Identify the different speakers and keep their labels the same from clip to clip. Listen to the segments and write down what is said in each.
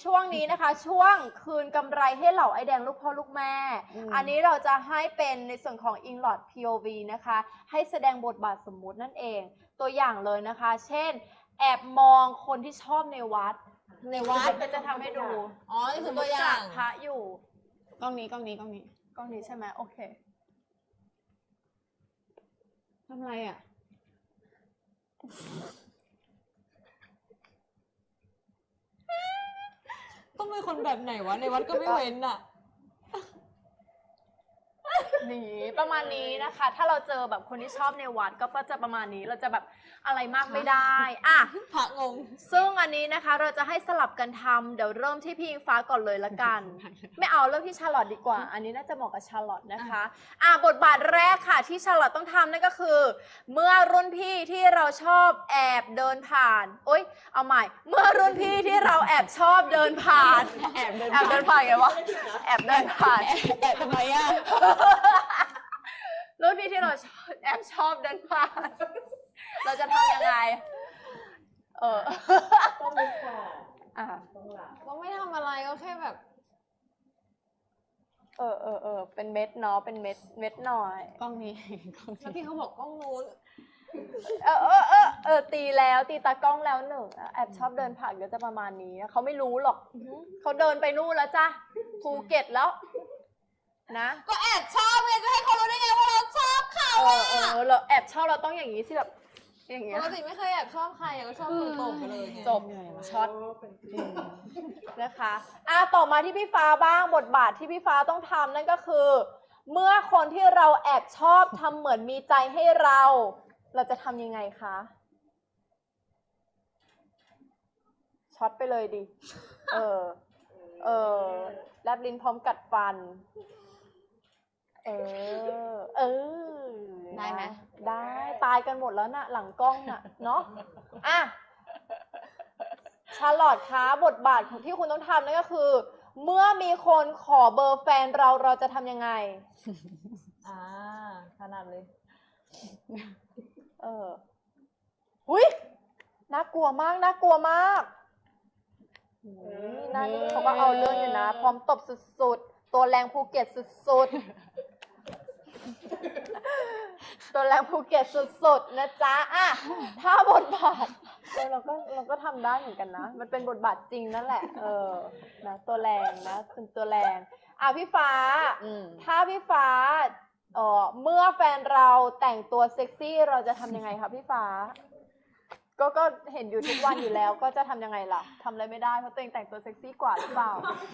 Speaker 1: ช่วงนี้นะคะช่วงคืนกำไรให้เหล่าไอแดงลูกพ่อลูกแม่ อันนี้เราจะให้เป็นในส่วนของ Inlot POV นะคะให้แสดงบทบาทสมมุตินั่นเองตัวอย่างเลยนะคะเช่นแอบมองคนที่ชอบในวัดก็จะทำให้ดู
Speaker 2: อ๋อนี่คือตัวอย่าง
Speaker 1: พระอยู่
Speaker 2: กล้องนี้กล้องนี้
Speaker 1: ใช่ไหมโอเค
Speaker 2: ทำไรอ่ะต้องเป็นคนแบบไหนวะในวัดก็ไม่เว้นอ่ะ
Speaker 1: นี่ประมาณนี้นะคะถ้าเราเจอแบบคนที่ชอบในวัดก็จะประมาณนี้เราจะแบบอะไรมากไม่ได้อ่ะ
Speaker 2: พระงง
Speaker 1: ซึ่งอันนี้นะคะเราจะให้สลับกันทำเดี๋ยวเริ่มที่พี่อิงฟ้าก่อนเลยละกัน ไม่เอาเริ่มที่ชาร์ลอตดีกว่าอันนี้น่าจะเหมาะกับชาร์ลอตนะคะบทบาทแรกค่ะที่ชาร์ลอตต้องทำนั่นก็คือเมื่อรุ่นพี่ที่เราชอบแอบเดินผ่านเอาใหม่เมื่อรุ่นพี่ที่เราแอบชอบเดินผ่านแอบเดินผ่านไงวะแอบเดินผ่าน
Speaker 2: แอบทำไมอ่ะ
Speaker 1: รุ่นพี่ที่เราแอบชอบเดินผ่านเราจะทำยังไง
Speaker 3: ต้องลึกกว่าต้องหลับ
Speaker 2: ก็ไม่ทำอะไรก็แค่แบบ
Speaker 1: เป็นเม็ดเนาะเป็นเม็ดหน่อย
Speaker 2: กล้องนี้แล้วพี่เขาบอกกล้องนู้น
Speaker 1: ตีตากล้องแล้วหนึ่งแอบชอบเดินผ่านก็จะประมาณนี้เขาไม่รู้หรอกเขาเดินไปนู่นแล้วจ้ะภูเก็ตแล้วนะ
Speaker 2: ก็แอบชอบไงจะให้เขารู้ได้ไงว่าเราชอบเขา
Speaker 1: เราแอบชอบเราต้องอย่างนี้สิแบบอย่างเงี้ย
Speaker 2: ปกติไม่เคยแอบชอบใครก็ชอบตรงๆไปเลย
Speaker 1: จบช็อตนะคะต่อมาที่พี่ฟ้าบ้างบทบาทที่พี่ฟ้าต้องทำนั่นก็คือเมื่อคนที่เราแอบชอบทำเหมือนมีใจให้เราจะทำยังไงคะช็อตไปเลยดิแลบลิ้นพร้อมกัดฟัน
Speaker 2: ได้ไหม
Speaker 1: ได้ตายกันหมดแล้วน่ะหลังกล้องน่ะเนาะชาร์ลอตคะบทบาทของที่คุณต้องทำนั่นก็คือเมื่อมีคนขอเบอร์แฟนเราจะทำยังไง
Speaker 2: ขนาดเลย
Speaker 1: อุ๊ยน่ากลัวมากนั่นเขาก็เอาเรื่องอยู่นะพร้อมตบสุดๆตัวแรงภูเก็ตสุดๆตัวแรงภูเก็ตสุดๆนะจ๊ะถ้าบทบาทเราก็ทำได้เหมือนกันนะมันเป็นบทบาทจริงนั่นแหละนะตัวแรงนะเป็นตัวแรงพี่ฟ้าถ้าพี่ฟ้าเมื่อแฟนเราแต่งตัวเซ็กซี่เราจะทำยังไงคะพี่ฟ้าก็เห็นอยู่ทุกวันอยู่แล้วก็จะทำยังไงล่ะทำอะไรไม่ได้เพราะตัวเองแต่งตัวเซ็กซี่กว่าหรือเปล่า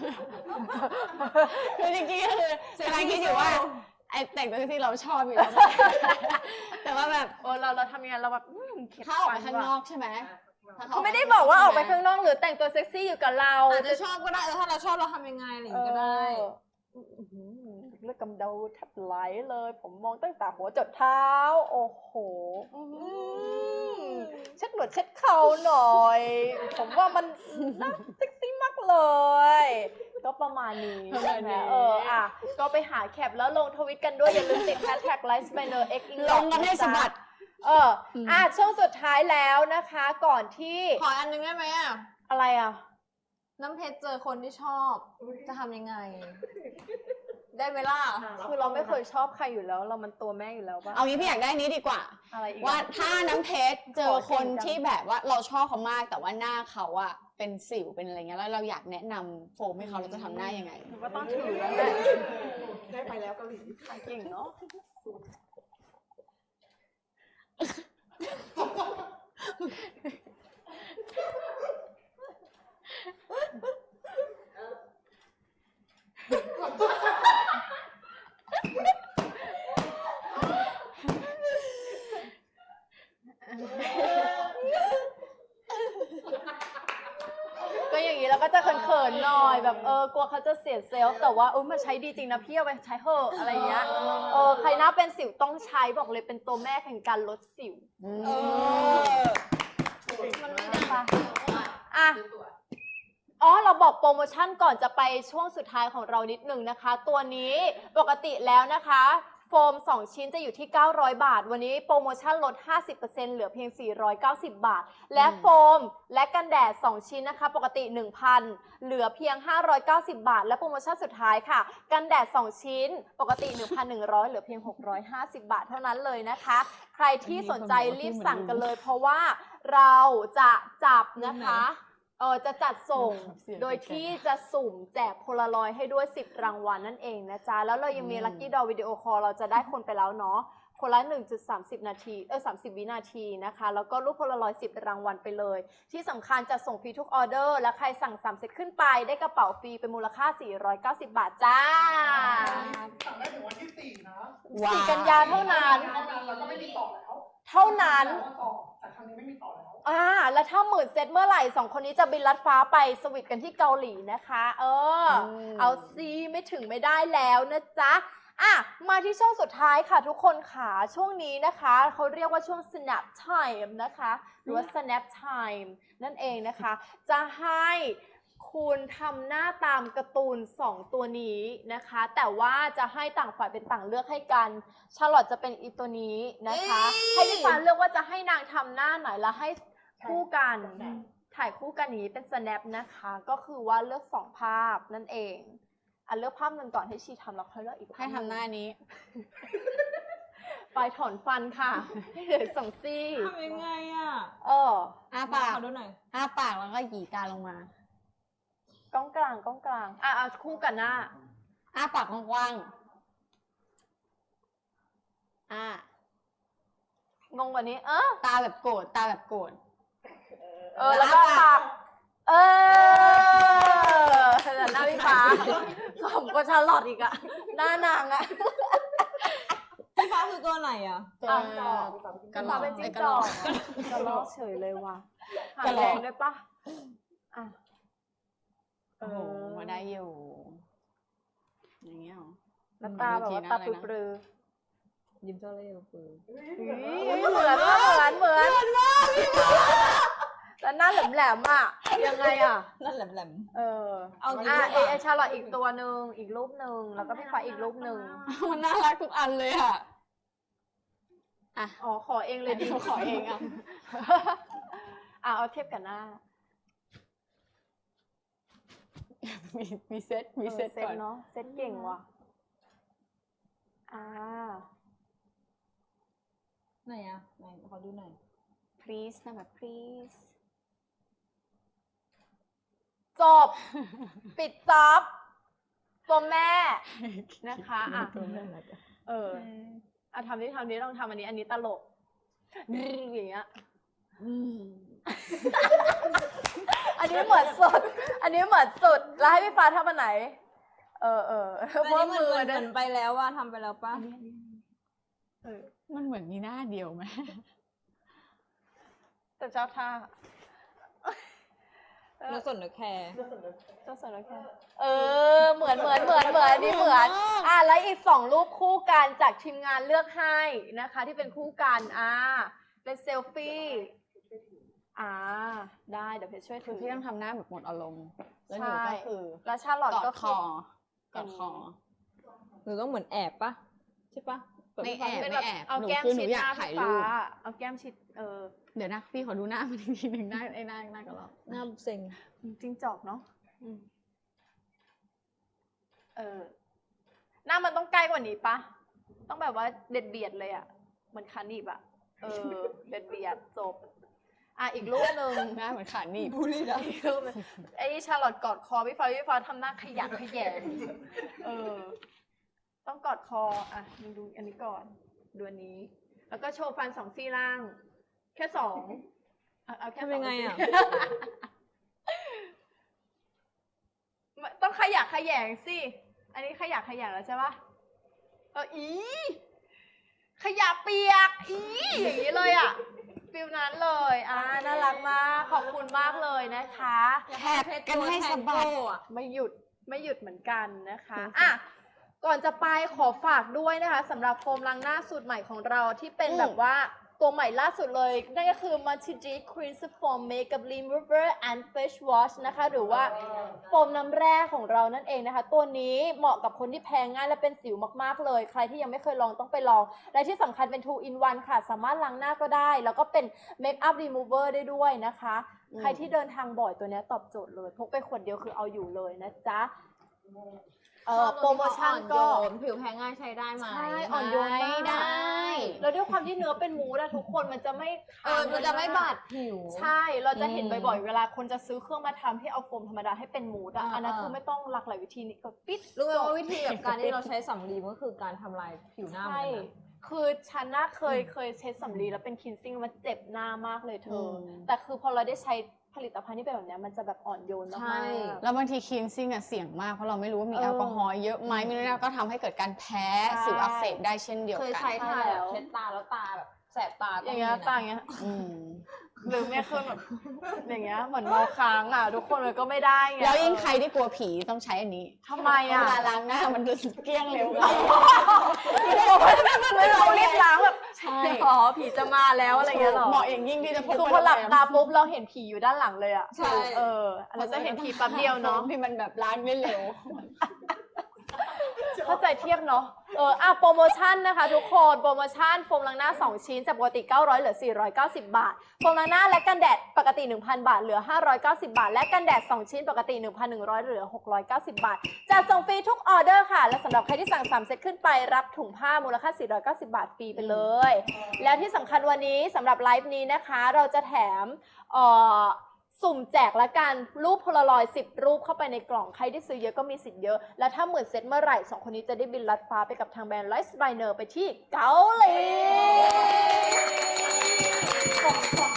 Speaker 2: คือจริงๆก็คือกำลังคิดอยู่ว่าไอ้แต่งตัวที่เราชอบอยู่แล้วแต่ว่าแบบ
Speaker 1: เราทำยังไงเราแบบ
Speaker 2: ถ้าออกไปข้างนอกใช่ไหม
Speaker 1: เขาไม่ได้บอกว่าออกไปข้างนอกหรือแต่งตัวเซ็กซี่อยู่กับเรา
Speaker 2: อาจจะชอบก็ได้ถ้าเราชอบเราทำยังไงอะไรอย่างนี้ก็ได้
Speaker 1: เลือดกำเดาแทบไหลเลยผมมองตั้งแต่หัวจดเท้าโอ้โหเช็ดหนวดเช็ดเข่าหน่อยผมว่ามันน่าเซ็กซี่มากเลยก็ประมาณนี้ใช่ไหมก็ไปหาแคปแล้วลงทวิตกันด้วยอย่าลืมติด #LifeSpanner X
Speaker 2: ลงกันให้สะบัด
Speaker 1: ช่วงสุดท้ายแล้วนะคะก่อนที่
Speaker 2: ขออันนึงได้ไหม
Speaker 1: อะไร
Speaker 2: น้ำเพชรเจอคนที่ชอบจะทำยังไงได้ไหมล่ะ
Speaker 1: คือเราไม่เคยชอบใครอยู่แล้วเรามันตัวแม่อยู่แล้วป่ะ
Speaker 2: เอางี้พี่อยากได้นี้ดีกว่าว่าถ้าน้ำเพชรเจอคนที่แบบว่าเราชอบเขามากแต่ว่าหน้าเขาเป็นสิวเป็นอะไรเงี้ยแล้วเราอยากแนะนำโฟมให้เขาเราจะทำหน้ายังไง
Speaker 1: ก็ต้องถือแล้วแหละ
Speaker 3: ได้ไปแล้วเกาหลี
Speaker 1: เก่งเนาะก็อย่างนี้เราก็จะเขินๆหน่อยแบบกลัวเขาจะเสียเซลล์แต่ว่ามันใช้ดีจริงนะพี่เอาไปใช้เถอะอะไรเงี้ยใครหน้าเป็นสิวต้องใช้บอกเลยเป็นตัวแม่แห่งการลดสิวมันไม่ได้ปะเราบอกโปรโมชั่นก่อนจะไปช่วงสุดท้ายของเรานิดนึงนะคะตัวนี้ปกติแล้วนะคะโฟม 2 ชิ้นจะอยู่ที่ 900 บาท วันนี้โปรโมชั่นลด 50% เหลือเพียง 490 บาท และโฟมและกันแดด 2 ชิ้นนะคะ ปกติ 1,000 เหลือเพียง 590 บาท และโปรโมชั่นสุดท้ายค่ะ กันแดด 2 ชิ้น ปกติ 1,100 เหลือเพียง 650 บาทเท่านั้นเลยนะคะ ใครที่สนใจรีบสั่งกันเลย เพราะว่าเราจะจับนะคะจะจัดส่งโดยที่จะสุ่มแจกโพลารอยด์ให้ด้วย 10 รางวัลนั่นเองนะจ๊ะ แล้วเรายังมีลัคกี้ดอวิดีโอคอลเราจะได้คนไปแล้วเนาะ คนละ 1.30 นาที30 วินาทีนะคะ แล้วก็รูปโพลารอยด์10 รางวัลไปเลย ที่สำคัญจะส่งฟรีทุกออเดอร์ และใครสั่ง3เซตขึ้นไปได้กระเป๋าฟรีเป็นมูลค่า 490 บาทจ้า
Speaker 3: สั่งได้ถึงวันที่ 4 นะ
Speaker 1: 4 กันยาเท่านั้น
Speaker 3: เท่านั้นแล้วก็ไม่มีต่อแล้ว
Speaker 1: เท่านั้น
Speaker 3: แต่ครั้งนี้ไม่มีต่อแล้ว
Speaker 1: แล้วถ้าหมื่นเซตเมื่อไหร่2 คนนี้จะบินลัดฟ้าไปสวิตกันที่เกาหลีนะคะเอาซีไม่ถึงไม่ได้แล้วนะจ๊ะมาที่ช่วงสุดท้ายค่ะทุกคนค่ะช่วงนี้นะคะเขาเรียกว่าช่วง snap time นะคะหรือว่า snap time นั่นเองนะคะจะให้คุณทำหน้าตามการ์ตูน2 ตัวนี้นะคะแต่ว่าจะให้ต่างฝ่ายเป็นต่างเลือกให้กันชาร์ลอตจะเป็นอีตัวนี้นะคะให้พี่ฟ้าเลือกว่าจะให้นางทำหน้าไหนแล้วให้คู่กันถ่ายคู่กันอย่างนี้เป็น snap นะคะก็คือว่าเลือก2 ภาพนั่นเองเลือกภาพหนึ่งก่อนให้ชีทำแล้วค่อยเลือกอีกภาพ
Speaker 2: ให้ทำหน้านี้
Speaker 1: ไปถอนฟันค่ะให้เหลือ2 ซี่
Speaker 3: ทำยังไงอ่ะ
Speaker 2: อ้าปาก
Speaker 3: ขอดูหน่อย
Speaker 2: อ้าปากแล้วก็หยีตาลงมา
Speaker 1: กล้องกลางคู่กันหน้า
Speaker 2: อ้าปากกว้างๆ
Speaker 1: งงกว่านี้
Speaker 2: ตาแบบโกรธตาแบบโกรธ
Speaker 1: แล้วก็ปากแต่หน้าพี่ฟ้าผมก็ชาลอตอีกอะหน้านางอะ
Speaker 3: พี่ฟ้าคือตัวไหนอ่ะ
Speaker 2: ตัว
Speaker 1: กระลอกเป็นจิ้งจอกกระลอกเฉยเลยว่ะหางแดงด้วยปะ
Speaker 2: โอ้โหมาได้อยู่อย่างเงี้ยหรอ
Speaker 1: แล้วตาแบบว่าตาปลือ
Speaker 3: ยิ้มเจ้าเล่ห์คือ
Speaker 1: เหมือนมากแล้วหน้าแหลมๆอ่ะยังไงอ่ะ
Speaker 3: นั่นแหลม
Speaker 1: ไอชาลอตอีกตัวหนึ่งอีกรูปหนึ่งแล้วก็พี่ฟ้าอีกรูปหนึ่ง
Speaker 2: มันน่ารักทุกอันเลยอ่ะ
Speaker 1: ขอเองเลยดี
Speaker 2: ขอเองอ่ะ
Speaker 1: เอาเทียบกับหน้า
Speaker 2: มีเซตก่อน
Speaker 1: เนาะเซตเก่งว่ะ
Speaker 3: ไหนอ่ะไหนขอดูหน่อย
Speaker 2: please นะแบบ please
Speaker 1: จบ ปิดจ็อบตัวแม่นะคะทำนี้ต้องทำอันนี้ตลกอย่างเงี้ยอันนี้เหมือนสุดแล้วให้พี่ฟ้าทำอันไหน
Speaker 3: อันนี้เหมือนไปแล้วว่าทำไปแล้วป่ะ
Speaker 2: มันเหมือนมีหน้าเดียวไหม
Speaker 1: แต่เจ้าท่า
Speaker 3: แล้วส่วนแคร์
Speaker 1: เจ้าสารแค่เหมือนนี่เหมือนแล้วอีก2 รูปคู่กันจากทีมงานเลือกให้นะคะที่เป็นคู่กันเป็นเซลฟี่ได้เดี๋ยวเพชรช่วย
Speaker 2: คื
Speaker 1: ถื
Speaker 2: อ
Speaker 1: อ
Speaker 2: พี่ต้องทำหน้าแบบหมดอารมณ์แล้วหนูก็คือ
Speaker 1: แล้วชาลอตก็
Speaker 2: กอดคอ
Speaker 3: หนูต้องเหมือนแอบป่ะใช่ป่ะ
Speaker 2: ไม่แอบ
Speaker 1: เอาแก้มชิดหน้าพี่ฟ้าเอาแก้มชิด
Speaker 2: เดี๋ยวนะพี่ขอดูหน้ามันอีกทีหนึ่งหน้าก็รอ
Speaker 3: หน้าเซ็ง
Speaker 1: จริงจอกเนาะหน้ามันต้องใกล้กว่านี้ปะต้องแบบว่าเด็ดเบียดเลยอ่ะเหมือนคานิบอ่ะเด็ดเบียดจบอีกรูปหนึ่ง
Speaker 2: หน้าเหมือนขาหนีบ
Speaker 3: บูลลี่นะ
Speaker 1: อีกรูปนึงไอ้ชาลอตกอดคอพี่ฟ้าทำหน้าขยักขยแยงต้องกอดคอดูอันนี้ก่อนดูอันนี้แล้วก็โชว์ฟัน2 ซี่ล่าง แค่ 2เอาแค่
Speaker 3: ทำยังไงอ่ะ
Speaker 1: ต้องขยักขยแยงสิอันนี้ขยักขยแยงแล้วใช่ปะขยะเปียกอย่างนี้เลยอ่ะฟิลนั้นเลยน่ารักมากขอบคุณมากเลยนะคะ
Speaker 2: แคบกันให้สบาย
Speaker 1: ไม่หยุดเหมือนกันนะคะก่อนจะไปขอฝากด้วยนะคะสำหรับโฟมล้างหน้าสูตรใหม่ของเราที่เป็นแบบว่าตัวใหม่ล่าสุดเลย นั่นก็คือ Multi-G Cleanser Foam Makeup Remover and Face Wash นะคะ หรือว่าโฟมน้ำแร่ของเรานั่นเองนะคะ ตัวนี้เหมาะกับคนที่แพ้ง่ายและเป็นสิวมากๆเลย ใครที่ยังไม่เคยลองต้องไปลอง และที่สำคัญเป็น 2 in 1 ค่ะ สามารถล้างหน้าก็ได้ แล้วก็เป็น Makeup Remover ได้ด้วยนะคะ ใครที่เดินทางบ่อยตัวนี้ตอบโจทย์เลย พกไปขวดเดียวคือเอาอยู่เลยนะจ๊ะ โปรโมชั่นก็
Speaker 3: ผิวแพ้ง่ายใช้ได้ไหม
Speaker 1: ใช่อ่อนโยนมาก
Speaker 2: ได้
Speaker 1: แล้วด้วยความที่เนื้อเป็นมูสอะทุกคนมันจะไม่
Speaker 3: มันจะไม่บาดผิว
Speaker 1: ใช่ เราจะเห็นบ่อยๆ เวลาคนจะซื้อเครื่องมาทำที่เอาโฟมธรรมดาให้เป็นมูสอะ
Speaker 3: อ่า
Speaker 1: อันนั้นคือไม่ต้องหลากหลายวิธีนี้ก็ปิด
Speaker 3: รู้ไหมว่าวิธีแบบการที่เราใช้สำลีมันก็คือการทำลายผิวหน้าเหมือ
Speaker 1: ใช่
Speaker 3: นกันนะ
Speaker 1: คือฉันน่ะเคยใช้สำลีแล้วเป็นคินซิ่งมันเจ็บหน้ามากเลยเธออ
Speaker 2: ม
Speaker 1: แต่คือพอเราได้ใช้ผลิตภัณฑ์ที่เป็นแบบเนี้ยมันจะแบบอ่อนโยน
Speaker 3: ใช่
Speaker 1: มากๆ
Speaker 2: แล้วบางทีคลีนซิ่งอะเสี่ยงมากเพราะเราไม่รู้ว่ามี
Speaker 1: เออ
Speaker 2: แอลกอฮอล์เยอะไหมไม่รู้นะก็ทำให้เกิดการแพ้
Speaker 1: ใช่
Speaker 2: สิวอักเสบได้เช่นเดียว
Speaker 3: เคย
Speaker 2: กัน
Speaker 3: ใช้ทา
Speaker 1: ใช่แล้
Speaker 3: แบบ
Speaker 1: ว
Speaker 3: เช็ดตาแล้วตาแบบแสบตา
Speaker 1: อย่างเงี้ย
Speaker 3: มีนะ
Speaker 1: ต่างเงี้ย
Speaker 2: อืม
Speaker 1: หรือไม่คือแบบอย่างเงี้ยเหมือนเมาค้างอ่ะทุกคนมันก็ไม่ได้ไง
Speaker 2: แล้วยิ่งใครที่กลัวผีต้องใช้อันนี้
Speaker 1: ทำไม
Speaker 2: เว
Speaker 1: อ่ะ
Speaker 2: ลาล้างหน้ามันจะเกลี้ยงเร็วกว่า
Speaker 1: เรารีบล้างแบบ
Speaker 2: ใช่
Speaker 1: อ๋อผีจะมาแล้วอะไรเงี้ยหรอ
Speaker 2: เหมาะอย่างยิ่งที่จะพก
Speaker 1: คือ
Speaker 2: ไป
Speaker 1: พอหลับ
Speaker 2: โรงแรม
Speaker 1: ตาปุ๊บเราเห็นผีอยู่ด้านหลังเลยอ่ะ
Speaker 3: ใช่
Speaker 1: เราจะเห็นผีแป๊บเดียวเนาะ
Speaker 2: ที่มันแบบล้างไม่เร็ว
Speaker 1: เข้าใจเทียบเนาะโปรโมชั่นนะคะทุกคนโปรโมชั่นโฟมล้างหน้า2ชิ้นจากปกติ900เหลือ490 บาทโฟมล้างหน้าและกันแดดปกติ 1,000 บาทเหลือ590 บาทและกันแดด2ชิ้นปกติ 1,100เหลือ690 บาทจัดส่งฟรีทุกออเดอร์ค่ะและสำหรับใครที่สั่ง3เซตขึ้นไปรับถุงผ้ามูลค่า490 บาทฟรีไปเลย แล้วที่สำคัญวันนี้สำหรับไลฟ์นี้นะคะเราจะแถมสุ่มแจกละกันรูปโพลารอยด์10 รูปเข้าไปในกล่องใครที่ซื้อเยอะก็มีสิทธิ์เยอะ แล้วถ้า10,000 เซตเมื่อไหร่2คนนี้จะได้บินลัดฟ้าไปกับทางแบรนด์ไลฟ์สไบเนอร์ไปที่เกาหลี